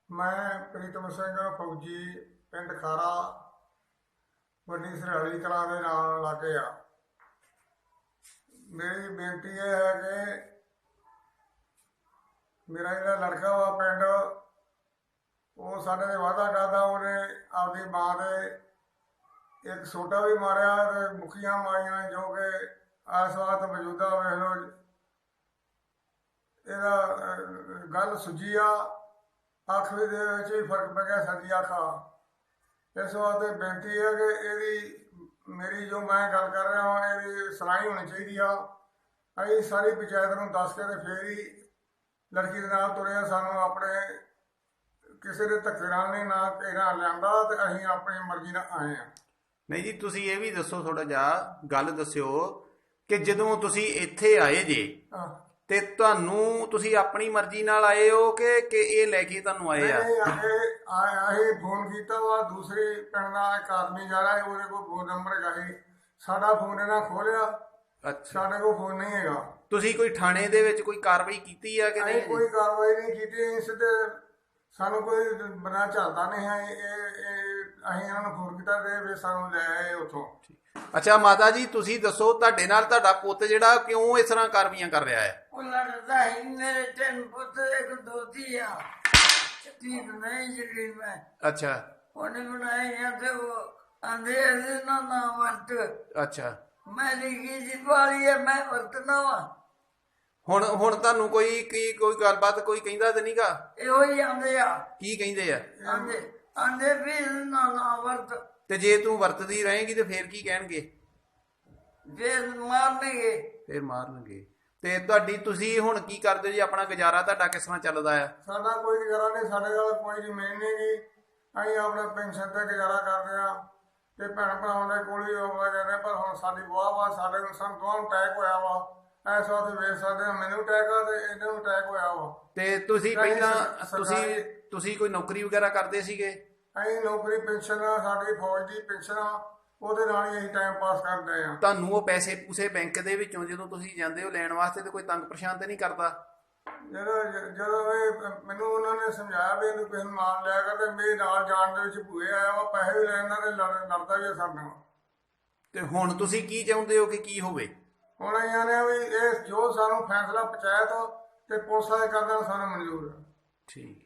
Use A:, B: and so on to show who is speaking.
A: ਮੈਂ ਪ੍ਰੀਤਮ ਸਿੰਘ ਫੌਜੀ ਪਿੰਡ ਖਾਰਾ ਵੱਡੀ ਸਰਹਾਲੀ ਕਲਾਂ ਦੇ ਨਾਲ ਲਾਗੇ ਆ। ਮੇਰੀ ਬੇਨਤੀ ਇਹ ਹੈ ਕਿ ਮੇਰਾ ਜਿਹੜਾ ਲੜਕਾ ਵਾ ਪਿੰਡ ਉਹ ਸਾਡੇ ਦੇ ਵਾਅਦਾ ਕਰਦਾ, ਉਹਨੇ ਆਪਦੀ ਮਾਂ ਦੇ ਇੱਕ ਸੋਟਾ ਵੀ ਮਾਰਿਆ ਤੇ ਮੁੱਖੀਆਂ ਮਾਰੀਆਂ, ਜੋ ਕਿ ਇਸ ਵਕਤ ਮੌਜੂਦਾ ਵੇਖ ਲਓ ਇਹਦਾ ਗੱਲ ਸੁੱਜੀ ਆ, ਅੱਖ ਦੇ ਵਿੱਚ ਵੀ ਫਰਕ ਪੈ ਗਿਆ, ਸੱਜੀ ਅੱਖ ਆ। ਇਸ ਵਾਸਤੇ ਬੇਨਤੀ ਹੈ ਕਿ ਇਹਦੀ ਮੇਰੀ ਜੋ ਮੈਂ ਗੱਲ ਕਰ ਰਿਹਾ ਹਾਂ ਇਹਦੀ ਸੁਣਾਈ ਹੋਣੀ ਚਾਹੀਦੀ ਆ। ਅਸੀਂ ਸਾਰੀ ਪੰਚਾਇਤ ਨੂੰ ਦੱਸ ਕੇ ਤੇ ਫੇਰ ਹੀ ਲੜਕੀ ਦੇ ਨਾਲ ਤੁਰੇ। ਸਾਨੂੰ ਆਪਣੇ ਕਿਸੇ ਦੇ ਧੱਕੇ ਨਾਲ ਨਹੀਂ ਨਾ ਘੇਰਾ ਲਿਆਂਦਾ ਤੇ ਅਸੀਂ ਆਪਣੀ ਮਰਜ਼ੀ ਨਾਲ ਆਏ ਹਾਂ।
B: ਨਹੀਂ ਜੀ, ਤੁਸੀਂ ਇਹ ਵੀ ਦੱਸੋ, ਥੋੜਾ ਜਿਹਾ ਗੱਲ ਦੱਸਿਓ ਕਿ ਜਦੋਂ ਤੁਸੀਂ ਇੱਥੇ ਆਏ ਜੇ ਤੇ ਤੁਹਾਨੂੰ ਤੁਸੀਂ ਆਪਣੀ ਮਰਜ਼ੀ ਨਾਲ ਆਏ ਹੋ ਕਿ ਇਹ ਲੈ ਕੇ ਤੁਹਾਨੂੰ ਆਏ ਆ?
A: ਅਸੀਂ ਫੋਨ ਕੀਤਾ ਵਾ, ਦੂਸਰੇ ਪਿੰਡ ਦਾ ਇੱਕ ਆਦਮੀ ਜਾ ਰਿਹਾ, ਉਹਦੇ ਕੋਲ ਫੋਨ ਨੰਬਰ ਹੈਗਾ ਸੀ, ਸਾਡਾ ਫੋਨ ਇਹਨਾਂ ਖੋਲਿਆ। ਅੱਛਾ, ਸਾਡੇ ਕੋਲ ਫੋਨ ਨਹੀਂ ਹੈਗਾ।
B: ਤੁਸੀਂ ਕੋਈ ਥਾਣੇ ਦੇ ਵਿੱਚ ਕੋਈ ਕਾਰਵਾਈ ਕੀਤੀ ਆ ਕਿ ਨਹੀਂ?
A: ਕੋਈ ਕਾਰਵਾਈ ਨਹੀਂ ਕੀਤੀ। ਸਿੱਧੇ ਸਾਨੂੰ ਕੋਈ ਬਣਾ ਚੱਲਦਾ ਨਹੀਂ ਹੈ। ਅਸੀਂ ਇਹਨਾਂ ਨੂੰ ਫੋਨ ਕੀਤਾ ਤੇ ਫਿਰ ਸਾਨੂੰ ਲੈ ਆਏ ਉੱਥੋਂ।
B: ਅੱਛਾ ਮਾਤਾ ਜੀ, ਤੁਸੀਂ ਦੱਸੋ ਤੁਹਾਡੇ ਨਾਲ ਤੁਹਾਡਾ ਪੁੱਤ ਜਿਹੜਾ ਕਿਉਂ ਇਸ ਤਰ੍ਹਾਂ ਕਾਰਵਾਈਆਂ ਕਰ ਰਿਹਾ ਹੈ?
C: ਉਹ ਲੜਦਾ ਹੀ ਮੇਰੇ 3 ਪੁੱਤ ਇੱਕ ਦੋਤੀ ਆ, ਠੀਕ ਨਹੀਂ ਜਿਹੜੀ ਮੈਂ।
B: ਅੱਛਾ,
C: ਉਹਨੇ ਬਣਾਏ ਆ ਤੇ ਉਹ ਆਂਦੇ ਇਹਦੇ ਨਾਲ ਨਾ ਵਰਤ।
B: ਅੱਛਾ,
C: ਮੈਂ ਲਿਖੀ ਜੀ ਵਾਲੀ ਹੈ, ਮੈਂ ਵਰਤਣਾ ਵਾ।
B: ਹੁਣ ਤੁਹਾਨੂੰ ਕੋਈ ਗੱਲਬਾਤ ਕੋਈ ਕਹਿੰਦਾ ਤੇ ਨਹੀਂਗਾ?
C: ਇਹੋ ਹੀ ਆਂਦੇ ਆ।
B: ਕੀ ਕਹਿੰਦੇ ਆ?
C: ਆਂਦੇ ਵੀ ਇਹਦੇ ਨਾਲ ਨਾ ਵਰਤ।
B: ਤੇ ਜੇ ਤੂੰ ਵਰਤਦੀ ਰਹੇਂਗੀ ਤੇ ਫੇਰ ਕੀ ਕਹਿਣਗੇ?
C: ਫੇਰ ਮਾਰਨਗੇ।
B: ਫੇਰ ਮਾਰਨਗੇ। ਤੇ ਤੁਸੀਂ ਹੁਣ ਕੀ ਕਰਦੇ ਜੀ? ਆਪਣਾ ਗੁਜ਼ਾਰਾ ਤੁਹਾਡਾ ਕਿਸ ਤਰ੍ਹਾਂ ਚੱਲਦਾ ਆ?
A: ਸਾਡਾ ਕੋਈ ਗੁਜ਼ਾਰਾ ਨਹੀਂ, ਸਾਡੇ ਕੋਲ ਕੋਈ ਜ਼ਮੀਨ ਨਹੀਂ ਗੀ। ਅਸੀਂ ਆਪਣੇ ਪੈਨਸ਼ਨ ਤੇ ਗੁਜ਼ਾਰਾ ਕਰਦੇ ਆ ਤੇ ਭੈਣ ਭਰਾਵਾਂ ਦੇ ਕੋਲ ਹੀ ਆਉਂਦੇ ਜਾਂਦੇ। ਪਰ ਹੁਣ ਸਾਡੀ ਵਾਹ ਵਾ, ਸਾਡੇ ਨੂੰ ਸਾਨੂੰ ਦੋਵਾਂ ਨੂੰ ਅਟੈਕ ਹੋਇਆ ਵਾ। ਇਸ ਵਾਸਤੇ ਵੇਖ ਸਕਦੇ ਆ, ਮੈਨੂੰ ਅਟੈਕ ਆ ਤੇ ਇਹਨਾਂ ਨੂੰ ਅਟੈਕ ਹੋਇਆ ਵਾ।
B: ਤੇ ਤੁਸੀਂ ਪਹਿਲਾਂ ਤੁਸੀਂ ਕੋਈ ਨੌਕਰੀ ਵਗੈਰਾ ਕਰਦੇ ਸੀਗੇ?
A: ਅਸੀਂ ਨੌਕਰੀ ਪੈਨਸ਼ਨ ਆ, ਸਾਡੀ ਫੌਜ ਦੀ ਪੈਨਸ਼ਨ ਆ, ਉਹਦੇ ਨਾਲ ਹੀ ਅਸੀਂ ਟਾਈਮ ਪਾਸ ਕਰਦੇ ਆ।
B: ਤੁਹਾਨੂੰ ਉਹ ਪੈਸੇ ਪੂਸੇ ਬੈਂਕ ਦੇ ਵਿੱਚੋਂ ਜਦੋਂ ਤੁਸੀਂ ਜਾਂਦੇ ਹੋ ਲੈਣ ਵਾਸਤੇ ਤੇ ਕੋਈ ਤੰਗ ਪਰੇਸ਼ਾਨ ਤੇ ਨਹੀਂ ਕਰਦਾ?
A: ਜਦੋਂ ਮੈਨੂੰ ਉਹਨਾਂ ਨੇ ਸਮਝਾਇਆ ਵੀ ਇਹਨੂੰ ਕਿਸੇ ਨੂੰ ਨਾਲ ਲਿਆ ਕਰ, ਤੇ ਮੇਰੇ ਨਾਲ ਜਾਣ ਦੇ ਵਿੱਚ ਭੂਏ ਆਇਆ ਵਾ, ਪੈਸੇ ਵੀ ਲੈਂਦਾ ਤੇ ਲੜਦਾ ਵੀ ਸਾਡੇ ਨਾਲ।
B: ਤੇ ਹੁਣ ਤੁਸੀਂ ਕੀ ਚਾਹੁੰਦੇ ਹੋ ਕਿ ਕੀ ਹੋਵੇ?
A: ਹੁਣ ਅਸੀਂ ਆਨੇ ਵੀ ਇਹ ਜੋ ਸਾਨੂੰ ਫੈਸਲਾ ਪੰਚਾਇਤ ਤੇ ਪੁਲਿਸ ਵਾਲੇ ਕਰਦੇ ਸਾਨੂੰ ਮਨਜ਼ੂਰ ਹੈ।
B: ਠੀਕ।